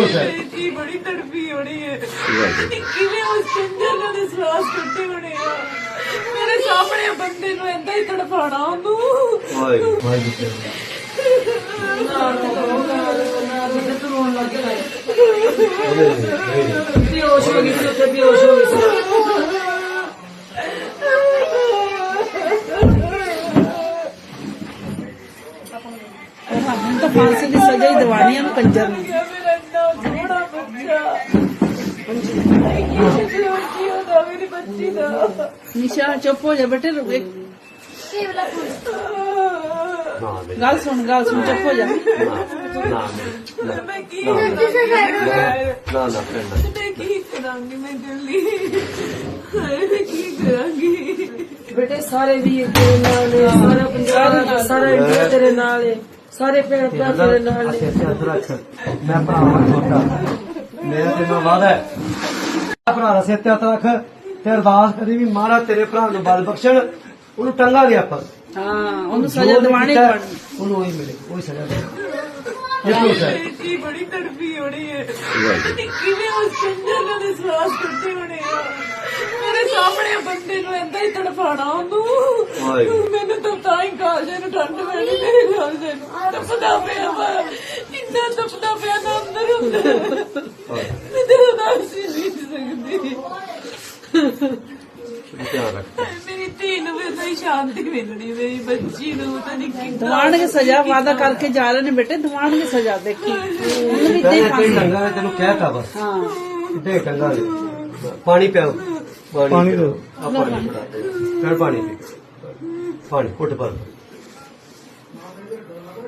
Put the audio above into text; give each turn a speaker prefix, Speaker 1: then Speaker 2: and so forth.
Speaker 1: खुश है
Speaker 2: जी बड़ी तड़पी होनी है किवें उस चंदर ने श्वास कट्टे होने आ मेरे सामने बंदे ਨੂੰ ਏਦਾਂ ਹੀ ਤੜਫਾਣਾ ਉਹਨੂੰ
Speaker 3: ਬੇਹੋਸ਼ ਹੋ ਗਈ ਸੀ ਉੱਥੇ ਬੇਹੋਸ਼ ਹੋ ਗਈ ਸੀ
Speaker 4: हम तो फांसी की सजा ही दवानी है कंजर ने
Speaker 2: मेरा इतना थोड़ा बच्चा मेरी बच्ची दा
Speaker 4: निशा चुप हो जा बेटे गल सुन चुप हो जा
Speaker 2: मैं की करूंगी
Speaker 1: ना फ्रेंड
Speaker 2: मैं की करूंगी मैं जल्दी मैं की करूंगी
Speaker 3: बेटे सारे वीर तेरे नाल है सारा पंजाब सारा इंडिया तेरे नाल है सारे भैन भरा तेरे नाल है
Speaker 1: मैं भरा छोटा मेरा तेरे नाल वादा है भरा दा सिर ते हत्थ रख ते अरदास करी भी महाराज तेरे भरा ਨੂੰ ਬਲ ਬਖਸ਼ਣ ਉਹਨੂੰ ਟੰਗਾ ਦੇ ਆਪਾਂ
Speaker 4: हाँ ਉਹਨੂੰ सजा दवानी पड़नी
Speaker 1: ਉਹਨੂੰ ਉਹੀ ਮਿਲੇ ਉਹੀ ਸਜ਼ਾ ਦੇ ये खुश है
Speaker 2: जी बड़ी तड़पी होनी है किवें उस चंदर ने श्वास कट्टे होने आ मेरे सामने बंदे ਨੂੰ ਏਦਾਂ ਹੀ ਤੜਫਾਣਾ ਉਹਨੂੰ ਮੈਨੂੰ ਤਾਂ ਹੀ ਕਾਲਜੇ ਨੂੰ ਠੰਡ ਪੈਣੀ ਮੇਰੇ ਕਾਲਜੇ ਨੂੰ ਤਪਦਾ ਪਿਆ ਵਾ ਇੰਨਾ ਤਪਦਾ ਪਿਆ ਨਾ ਅੰਦਰ ਹੁੰਦਾ ਮੈਂ ਤੇਰਾ ਨਾਮ ਸੀ ਨਹੀਂ ਸਕਦੀ
Speaker 1: ਧਿਆਨ ਰੱਖ
Speaker 2: मेरी धी ਨੂੰ ਵੀ ਤਾਂ ਸ਼ਾਂਤੀ ਮਿਲਣੀ ਮੇਰੀ ਬੱਚੀ ਨੂੰ ਤਾਂ ਨਹੀਂ ਕਿੰਨਾ
Speaker 4: दवान की सजा वादा करके जा रहे ने बेटे दवान की सजा देखी उन्होंने भी दे फांसी
Speaker 1: ਟੰਗਾ ਤੈਨੂੰ ਕਹਿਤਾ ਬਸ
Speaker 4: हाँ
Speaker 1: ਦੇ ਟੰਗਾ ਦੇ ਪਾਣੀ ਪਿਆਓ ਪਾਣੀ ਦੋ ਆ ਪਾਣੀ ਫੜਾ ਦੇ ਫਿਰ ਪਾਣੀ ਪੀ ਪਾਣੀ ਘੁੱਟ ਭਰ